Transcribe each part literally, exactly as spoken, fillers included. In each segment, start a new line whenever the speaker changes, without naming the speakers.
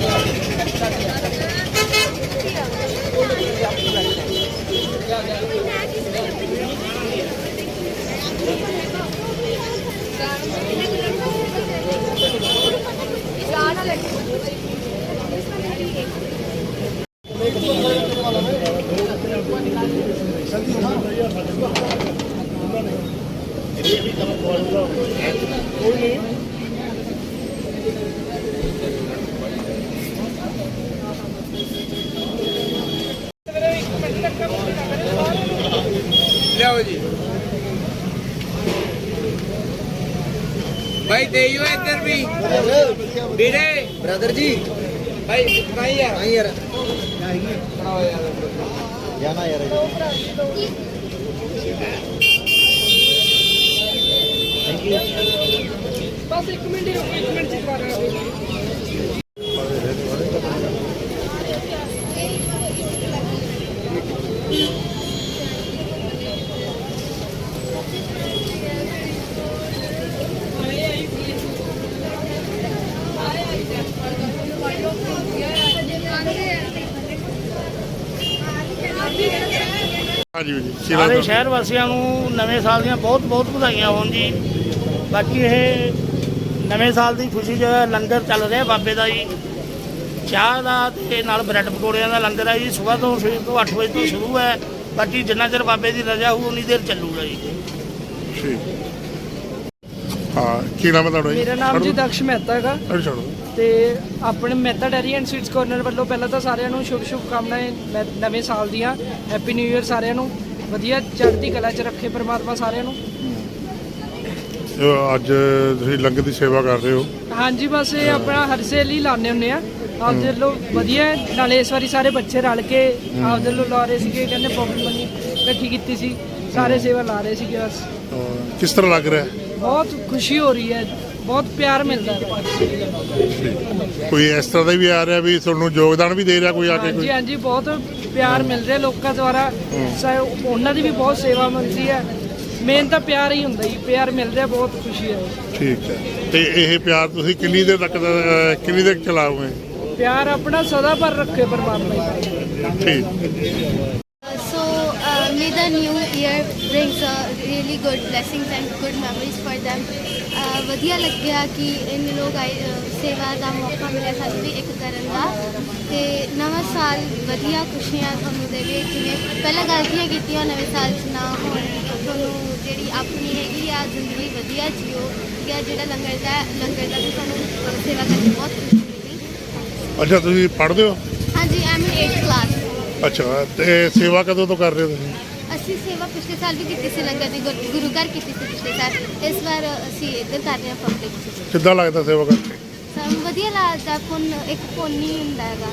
भाई दे इधर भी बीरे ब्रदर जी भाई नहीं यार नहीं यार जाना यार थैंक यू बस एक मिनट एक मिनट चिपका रहा हूं
ਸਾਰੇ ਸ਼ਹਿਰ ਵਾਸੀਆਂ ਨੂੰ ਨਵੇਂ ਸਾਲ ਦੀਆਂ ਬਹੁਤ ਬਹੁਤ ਵਧਾਈਆਂ ਹੋਣ ਜੀ। ਬਾਕੀ ਇਹ ਨਵੇਂ ਸਾਲ ਦੀ ਖੁਸ਼ੀ 'ਚ ਲੰਗਰ ਚੱਲ ਰਿਹਾ ਬਾਬੇ ਦਾ ਜੀ, ਚਾਹ ਦਾ ਤੇ ਨਾਲ ਬ੍ਰੈਡ ਪਕੌੜਿਆਂ ਦਾ ਲੰਗਰ ਹੈ ਜੀ। ਸਵੇਰ ਤੋਂ ਸਵੇਰ ਤੋਂ ਅੱਠ ਵਜੇ ਤੋਂ ਸ਼ੁਰੂ ਹੈ, ਬਾਕੀ ਜਿੰਨਾ ਚਿਰ ਬਾਬੇ ਦੀ ਰਜ਼ਾ ਹੋਊ ਉਨੀ ਦੇਰ ਚੱਲੂਗਾ ਜੀ।
ਹਾਂ, ਕੀ ਨਾਮ ਹੈ ਤੁਹਾਡਾ?
ਮੇਰਾ ਨਾਮ ਜੀ ਦਕਸ਼ ਮਹਿਤਾ ਹੈਗਾ ਤੇ ਆਪਣੇ Mehta dairy and sweets corner ਵੱਲੋਂ ਪਹਿਲਾਂ ਤਾਂ ਸਾਰਿਆਂ ਨੂੰ ਸ਼ੁਭ ਸ਼ੁਭ ਕਾਮਨਾਵਾਂ ਨਵੇਂ ਸਾਲ ਦੀਆਂ। ਹੈਪੀ ਨਿਊ ਈਅਰ ਸਾਰਿਆਂ ਨੂੰ, ਵਧੀਆ ਚੜ੍ਹਦੀ ਕਲਾ 'ਚ ਰੱਖੇ ਪਰਮਾਤਮਾ ਸਾਰਿਆਂ ਨੂੰ।
ਅੱਜ ਤੁਸੀਂ ਲੰਗਰ ਦੀ ਸੇਵਾ ਕਰ ਰਹੇ ਹੋ?
ਹਾਂਜੀ, ਬਸ ਇਹ ਆਪਣਾ ਹਰ ਸੇਲ ਹੀ ਲਾਉਂਦੇ ਹੁੰਦੇ ਆ ਆਪਦੇ ਵੱਲੋਂ, ਵਧੀਆ। ਨਾਲੇ ਇਸ ਵਾਰੀ ਸਾਰੇ ਬੱਚੇ ਰਲ ਕੇ ਆਪਦੇ ਵੱਲੋਂ ਲਾ ਰਹੇ ਸੀਗੇ, ਕਹਿੰਦੇ ਪੌਕਟ ਮਨੀ ਇਕੱਠੀ ਕੀਤੀ ਸੀ, ਸਾਰੇ ਸੇਵਾ ਲਾ ਰਹੇ ਸੀਗੇ। ਬਸ
ਕਿਸ ਤਰ੍ਹਾਂ ਲੱਗ ਰਿਹਾ?
ਬਹੁਤ ਖੁਸ਼ੀ ਹੋ ਰਹੀ ਹੈ, ਬਹੁਤ ਪਿਆਰ ਮਿਲਦਾ ਹੈ।
ਕੋਈ ਇਸ ਤਰ੍ਹਾਂ ਦਾ ਵੀ ਆ ਰਿਹਾ ਵੀ ਤੁਹਾਨੂੰ ਯੋਗਦਾਨ ਵੀ ਦੇ ਰਿਹਾ ਕੋਈ ਆ ਕੇ?
ਹਾਂਜੀ ਹਾਂਜੀ, ਬਹੁਤ ਪਿਆਰ ਮਿਲ ਰਿਹਾ ਲੋਕਾਂ ਦੁਆਰਾ, ਉਹਨਾਂ ਦੀ ਵੀ ਬਹੁਤ ਸੇਵਾ ਮਿਲਦੀ ਹੈ। ਮੇਨ ਤਾਂ ਪਿਆਰ ਹੀ ਹੁੰਦਾ ਜੀ, ਪਿਆਰ ਮਿਲ ਰਿਹਾ, ਬਹੁਤ ਖੁਸ਼ੀ ਹੈ। ਠੀਕ ਹੈ,
ਤੇ ਇਹ ਪਿਆਰ ਤੁਸੀਂ ਕਿੰਨੀ ਦੇਰ ਤੱਕ ਕਿੰਨੀ ਦੇਰ ਚਲਾਓਗੇ?
ਪਿਆਰ ਆਪਣਾ ਸਦਾ ਭਰ ਰੱਖੇ ਪਰਮਾਤਮਾ ਜੀ।
ਠੀਕ।
So uh, may the new year brings uh, really good blessings and good memories for them. ਵਧੀਆ ਲੱਗਿਆ ਕਿ ਇੰਨੇ ਲੋਕ ਆਏ, ਸੇਵਾ ਦਾ ਮੌਕਾ ਮਿਲਿਆ ਸਾਨੂੰ ਵੀ ਇੱਕ ਕਰਨ ਦਾ। ਤੇ ਨਵਾਂ ਸਾਲ ਵਧੀਆ ਖੁਸ਼ੀਆਂ ਤੁਹਾਨੂੰ ਦੇਵੇ, ਜਿਵੇਂ ਪਹਿਲਾਂ ਗਲਤੀਆਂ ਕੀਤੀਆਂ ਨਵੇਂ ਸਾਲ 'ਚ ਨਾ ਹੋਣ, ਤੁਹਾਨੂੰ ਜਿਹੜੀ ਆਪਣੀ ਹੈਗੀ ਆ ਜ਼ਿੰਦਗੀ ਵਧੀਆ ਜੀਓ। ਜਾਂ ਜਿਹੜਾ ਲੰਗਰ ਦਾ ਲੰਗਰ ਦਾ ਵੀ ਤੁਹਾਨੂੰ ਸੇਵਾ ਕਰਕੇ ਬਹੁਤ ਖੁਸ਼ੀ ਮਿਲੀ।
ਅੱਛਾ, ਤੁਸੀਂ ਪੜ੍ਹਦੇ ਹੋ?
ਹਾਂਜੀ, ਐਮ ਏਟ ਕਲਾਸ।
ਅੱਛਾ, ਤੇ ਸੇਵਾ ਕਦੋਂ ਤੋਂ ਕਰ ਰਹੇ ਹੋ ਤੁਸੀਂ?
ਅਸੀਂ ਸੇਵਾ ਪਿਛਲੇ ਸਾਲ ਵੀ ਕੀਤੀ ਸੀ, ਲੰਗਰ ਦੀ ਗੁਰੂ ਘਰ ਕੀਤੀ ਸੀ ਪਿਛਲੇ ਸਾਲ। ਇਸ ਵਾਰ ਅਸੀਂ ਇੱਧਰ ਕਰ ਰਹੇ ਹਾਂ ਪਬਲਿਕ।
ਕਿੱਦਾਂ ਲੱਗਦਾ ਸੇਵਾ ਕਰਕੇ?
ਸਾਨੂੰ ਵਧੀਆ ਲੱਗਦਾ, ਪੁੰਨ ਇੱਕ ਪੁੰਨ ਹੀ ਹੁੰਦਾ ਹੈਗਾ।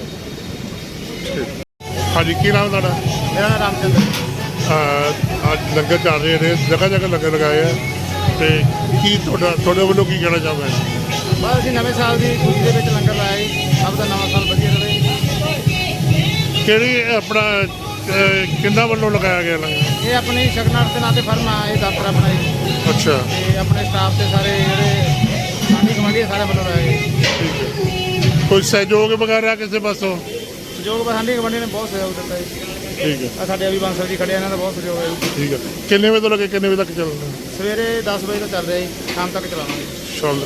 ਹਾਂਜੀ, ਕੀ ਨਾਮ ਤੁਹਾਡਾ?
ਮੇਰਾ ਨਾਮ ਰਾਮਚੰਦਰ।
ਅੱਜ ਲੰਗਰ ਚੱਲ ਰਹੇ ਨੇ, ਜਗ੍ਹਾ ਜਗ੍ਹਾ ਲੰਗਰ ਲਗਾਏ ਆ, ਤੇ ਕੀ ਤੁਹਾਡਾ ਤੁਹਾਡੇ ਵੱਲੋਂ ਕੀ ਕਹਿਣਾ ਚਾਹੁੰਦੇ?
ਬਸ ਅਸੀਂ ਨਵੇਂ ਸਾਲ ਦੀ ਖੁਸ਼ੀ ਦੇ ਵਿੱਚ ਲੰਗਰ ਲਾਇਆ ਜੀ। ਸਭ ਦਾ ਨਵਾਂ ਸਾਲ ਵਧੀਆ ਰਹੇ।
ਕਿਹੜੀ ਆਪਣਾ ਕਿੰਨਾ ਵੱਲੋਂ ਲਗਾਇਆ ਗਿਆ ਲੰਗਰ?
ਇਹ ਆਪਣੀ ਸ਼ਗਨਾਰਥ ਦੇ ਨਾਂ ਤੇ ਫਰਮ ਆ, ਇਹ ਦਫ਼ਤਰ ਆਪਣਾ ਜੀ।
ਅੱਛਾ,
ਤੇ ਆਪਣੇ ਸਟਾਫ ਦੇ ਸਾਰੇ ਜਿਹੜੇ ਸਾਡੀ ਕਮਾਂਡੀ ਸਾਰੇ ਵੱਲੋਂ ਲਾਇਆ ਜੀ।
ਠੀਕ ਹੈ। ਕੋਈ ਸਹਿਯੋਗ ਵਗੈਰਾ ਕਿਸੇ ਪਾਸੋਂ?
ਸਹਿਯੋਗ ਬਸ ਸਾਡੀ ਕਮਾਂਡੀ ਨੇ ਬਹੁਤ ਸਹਿਯੋਗ ਦਿੱਤਾ ਜੀ।
ਠੀਕ ਹੈ।
ਆ ਸਾਡੇ ਅਭੀ ਬਾਂਸਲ ਜੀ ਖੜੇ, ਇਹਨਾਂ ਦਾ ਬਹੁਤ ਸਹਿਯੋਗ ਹੈ ਜੀ।
ਠੀਕ ਹੈ। ਕਿੰਨੇ ਵਜੇ ਤੋਂ ਲੱਗੇ ਕਿੰਨੇ ਵਜੇ ਤੱਕ ਚੱਲਣਾ?
ਸਵੇਰੇ ਦਸ ਵਜੇ ਤੋਂ ਚੱਲ ਰਿਹਾ ਜੀ, ਸ਼ਾਮ ਤੱਕ ਚਲਾਵਾਂਗੇ।
ਚੱਲ।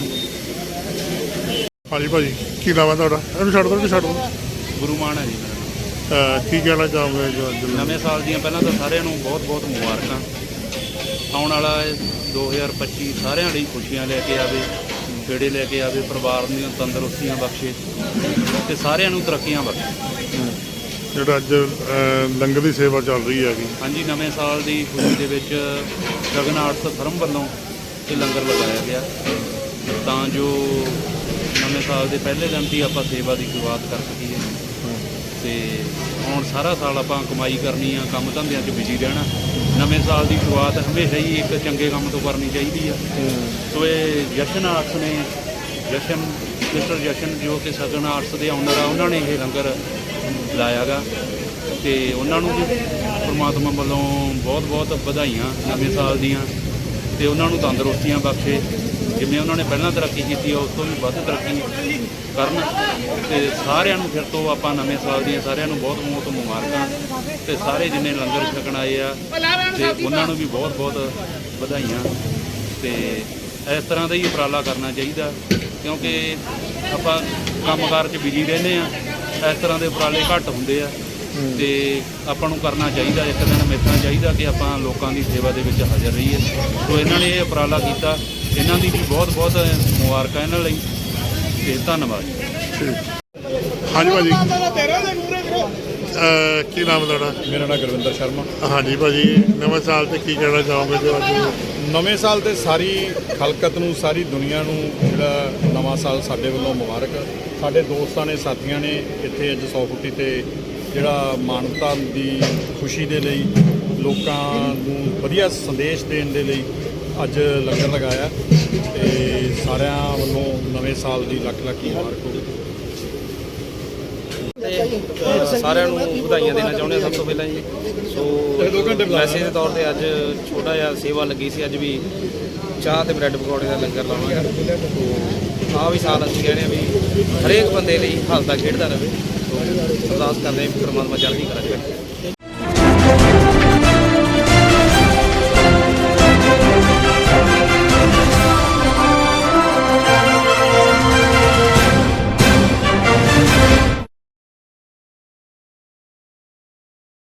ਹਾਂਜੀ ਭਾਜੀ, ਕੀ ਨਾਮ ਹੈ ਤੁਹਾਡਾ? ਇਹਨੂੰ ਛੱਡ ਦਿਓ ਕਿ ਛੱਡ ਦਿਓ?
ਗੁਰੂ ਮਾਨ ਹੈ ਜੀ ਮੇਰਾ।
ਕੀ ਕਹਿਣਾ ਚਾਹੋਗੇ ਜੋ ਅੱਜ
ਨਵੇਂ ਸਾਲ ਦੀਆਂ ਪਹਿਲਾਂ ਤਾਂ ਸਾਰਿਆਂ ਨੂੰ ਬਹੁਤ ਬਹੁਤ ਮੁਬਾਰਕਾਂ। ਆਉਣ ਵਾਲਾ ਦੋ ਹਜ਼ਾਰ ਪੱਚੀ ਸਾਰਿਆਂ ਲਈ ਖੁਸ਼ੀਆਂ ਲੈ ਕੇ ਆਵੇ, ਖੇੜੇ ਲੈ ਕੇ ਆਵੇ, ਪਰਿਵਾਰ ਦੀਆਂ ਤੰਦਰੁਸਤੀਆਂ ਬਖਸ਼ੇ ਤੇ ਸਾਰਿਆਂ ਨੂੰ ਤਰੱਕੀਆਂ ਬਖਸ਼ੇ।
ਜਿਹੜਾ ਅੱਜ ਲੰਗਰ ਦੀ ਸੇਵਾ ਚੱਲ ਰਹੀ ਹੈਗੀ?
ਹਾਂਜੀ, ਨਵੇਂ ਸਾਲ ਦੀ ਖੁਸ਼ੀ ਦੇ ਵਿੱਚ ਗਗਨ ਆਰਟਸ ਫਰਮ ਵੱਲੋਂ ਇਹ ਲੰਗਰ ਲਗਾਇਆ ਗਿਆ ਤਾਂ ਜੋ ਨਵੇਂ ਸਾਲ ਦੇ ਪਹਿਲੇ ਦਿਨ ਦੀ ਆਪਾਂ ਸੇਵਾ ਦੀ ਸ਼ੁਰੂਆਤ ਕਰ ਸਕੀਏ। ਤੇ ਹੁਣ ਸਾਰਾ ਸਾਲ ਆਪਾਂ ਕਮਾਈ ਕਰਨੀ ਆ, ਕੰਮ ਧੰਦਿਆਂ 'ਚ ਬਿਜੀ ਰਹਿਣਾ। ਨਵੇਂ ਸਾਲ ਦੀ ਸ਼ੁਰੂਆਤ ਹਮੇਸ਼ਾ ਹੀ ਇੱਕ ਚੰਗੇ ਕੰਮ ਤੋਂ ਕਰਨੀ ਚਾਹੀਦੀ ਆ। ਸੋ ਇਹ ਜਸ਼ਨ ਆਰਟਸ ਨੇ, ਜਸ਼ਨ ਮਿਸਟਰ ਜਸ਼ਨ ਜੋ ਕਿ ਸਗਨ ਆਰਟਸ ਦੇ ਓਨਰ ਆ, ਉਹਨਾਂ ਨੇ ਇਹ ਲੰਗਰ ਲਾਇਆ ਗਾ ਤੇ ਉਹਨਾਂ ਨੂੰ ਵੀ ਪਰਮਾਤਮਾ ਵੱਲੋਂ ਬਹੁਤ ਬਹੁਤ ਵਧਾਈਆਂ ਨਵੇਂ ਸਾਲ ਦੀਆਂ। ਤੇ ਉਹਨਾਂ ਨੂੰ ਤੰਦਰੁਸਤੀਆਂ ਬਖਸ਼ੇ, ਜਿਵੇਂ ਉਹਨਾਂ ਨੇ ਪਹਿਲਾਂ ਤਰੱਕੀ ਕੀਤੀ ਆ ਉਸ ਤੋਂ ਵੀ ਵੱਧ ਤਰੱਕੀ ਕਰਨ। ਤੇ ਸਾਰਿਆਂ ਨੂੰ ਫਿਰ ਤੋਂ ਆਪਾਂ ਨਵੇਂ ਸਾਲ ਦੀਆਂ ਸਾਰਿਆਂ ਨੂੰ ਬਹੁਤ ਬਹੁਤ ਮੁਬਾਰਕਾਂ, ਤੇ ਸਾਰੇ ਜਿੰਨੇ ਲੰਗਰ ਛਕਣ ਆਏ ਆ ਤੇ ਉਹਨਾਂ ਨੂੰ ਵੀ ਬਹੁਤ ਬਹੁਤ ਵਧਾਈਆਂ। ਤੇ ਇਸ ਤਰ੍ਹਾਂ ਦਾ ਹੀ ਉਪਰਾਲਾ ਕਰਨਾ ਚਾਹੀਦਾ, ਕਿਉਂਕਿ ਆਪਾਂ ਕੰਮਕਾਰ 'ਚ ਬਿਜੀ ਰਹਿੰਦੇ ਆ, ਇਸ ਤਰ੍ਹਾਂ ਦੇ ਉਪਰਾਲੇ ਘੱਟ ਹੁੰਦੇ ਆ ਤੇ ਆਪਾਂ ਨੂੰ ਕਰਨਾ ਚਾਹੀਦਾ। ਇੱਕ ਦਿਨ ਮਿਲਣਾ ਚਾਹੀਦਾ ਕਿ ਆਪਾਂ ਲੋਕਾਂ ਦੀ ਸੇਵਾ ਦੇ ਵਿੱਚ ਹਾਜ਼ਰ ਰਹੀਏ। ਸੋ ਇਹਨਾਂ ਨੇ ਇਹ ਉਪਰਾਲਾ ਕੀਤਾ, ਇਹਨਾਂ ਦੀ ਵੀ ਬਹੁਤ ਬਹੁਤ ਮੁਬਾਰਕਾਂ ਇਹਨਾਂ ਲਈ, ਤੇ ਧੰਨਵਾਦ।
ਹਾਂਜੀ ਭਾਜੀ, ਅਹ ਕੀ ਨਾਮ ਤੁਹਾਡਾ?
ਮੇਰਾ ਨਾਮ ਗੁਰਵਿੰਦਰ ਸ਼ਰਮਾ।
ਹਾਂਜੀ ਭਾਜੀ, ਨਵੇਂ ਸਾਲ ਤੇ ਕੀ ਕਹਿਣਾ ਚਾਹੋਗੇ ਜੋ ਅੱਜ?
ਨਵੇਂ ਸਾਲ ਤੇ ਸਾਰੀ ਖਲਕਤ ਨੂੰ, ਸਾਰੀ ਦੁਨੀਆ ਨੂੰ ਜਿਹੜਾ ਨਵਾਂ ਸਾਲ ਸਾਡੇ ਵੱਲੋਂ ਮੁਬਾਰਕ। ਸਾਡੇ ਦੋਸਤਾਂ ਨੇ, ਸਾਥੀਆਂ ਨੇ ਇੱਥੇ ਅੱਜ ਸੌ ਫੁੱਟੀ ਤੇ ਜਿਹੜਾ ਮਾਨਵਤਾ ਦੀ ਖੁਸ਼ੀ ਦੇ ਲਈ, ਲੋਕਾਂ ਨੂੰ ਵਧੀਆ ਸੰਦੇਸ਼ ਦੇਣ ਦੇ ਲਈ ਅੱਜ ਲੰਗਰ ਲਗਾਇਆ, ਤੇ ਸਾਰਿਆਂ ਵੱਲੋਂ ਨਵੇਂ ਸਾਲ ਦੀ ਲੱਖ ਲੱਖ ਮੁਬਾਰਕ ਹੋਵੇ।
ਤੇ ਸਾਰਿਆਂ ਨੂੰ ਵਧਾਈਆਂ ਦੇਣਾ ਚਾਹੁੰਦੇ ਹਾਂ ਸਭ ਤੋਂ ਪਹਿਲਾਂ ਜੀ। ਸੋ ਮੈਸੇਜ ਦੇ ਤੌਰ ਤੇ ਅੱਜ ਛੋਟਾ ਜਿਹਾ ਸੇਵਾ ਲੱਗੀ ਸੀ, ਅੱਜ ਵੀ ਚਾਹ ਤੇ ਬ੍ਰੈਡ ਪਕੌੜੇ ਦਾ ਲੰਗਰ ਲਾਉਣਾ ਹੈ। ਸੋ ਆਹ ਵੀ ਸਾਲ ਅਸੀਂ ਕਹਿੰਦੇ ਹਾਂ ਵੀ ਹਰੇਕ ਬੰਦੇ ਲਈ ਹੱਸਦਾ ਖੇਡਦਾ ਰਹੇ। ਸੋ ਅਰਦਾਸ ਕਰਦੇ ਹਾਂ ਪਰਮਾਤਮਾ ਚੜ੍ਹਦੀ ਕਲਾ ਕਰੇ।